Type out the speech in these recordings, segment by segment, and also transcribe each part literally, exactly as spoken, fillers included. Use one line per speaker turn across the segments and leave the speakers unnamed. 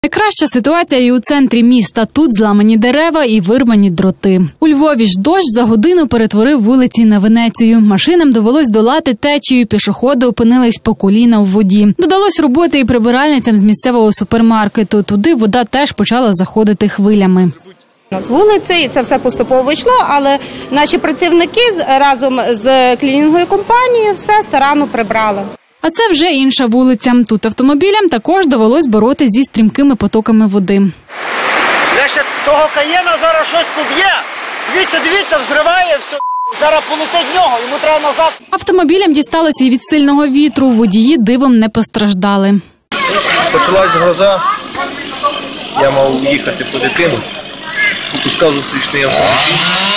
Найкраща ситуація і у центрі міста. Тут зламані дерева і вирвані дроти. У Львові ж дощ за годину перетворив вулиці на Венецію. Машинам довелось долати течію, пішоходи опинились по коліна в воді. Додалось роботи і прибиральницям з місцевого супермаркету. Туди вода теж почала заходити хвилями.
З вулиці, і це все поступово йшло, але наші працівники разом з клінінговою компанією все старанно прибрали.
А це вже інша вулиця. Тут автомобілям також довелось боротися зі стрімкими потоками води.
Лише того Каєна зараз щось поб'є. Дивіться, дивіться, взриває все. Зараз полетить в нього, йому треба назад.
Автомобілям дісталося і від сильного вітру. Водії дивом не постраждали.
Почалась гроза. Я мав їхати по дитину. Попускав зустрічний автомобіль.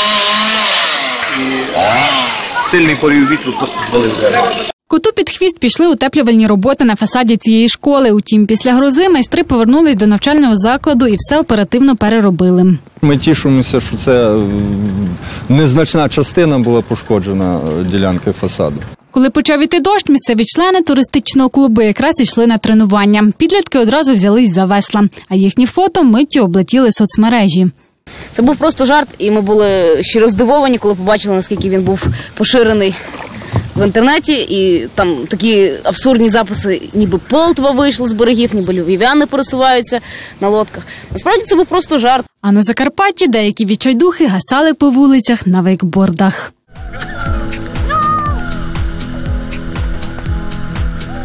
І сильний порив вітру просто звалив дерево.
Коту під хвіст пішли утеплювальні роботи на фасаді цієї школи. Утім, після грози майстри повернулись до навчального закладу і все оперативно переробили.
Ми тішимося, що це незначна частина була пошкоджена ділянки фасаду.
Коли почав іти дощ, місцеві члени туристичного клубу якраз йшли на тренування. Підлітки одразу взялись за весла, а їхні фото миттю облетіли соцмережі.
Це був просто жарт, і ми були щиро здивовані, коли побачили, наскільки він був поширений в інтернеті. І там такі абсурдні записи, ніби Полтва вийшли з берегів, ніби львів'яни пересуваються на лодках. Насправді це був просто жарт.
А на Закарпатті деякі відчайдухи гасали по вулицях на вейкбордах.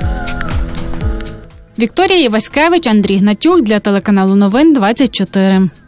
Вікторія Єваськевич, Андрій Гнатюк для телеканалу Новин двадцять чотири.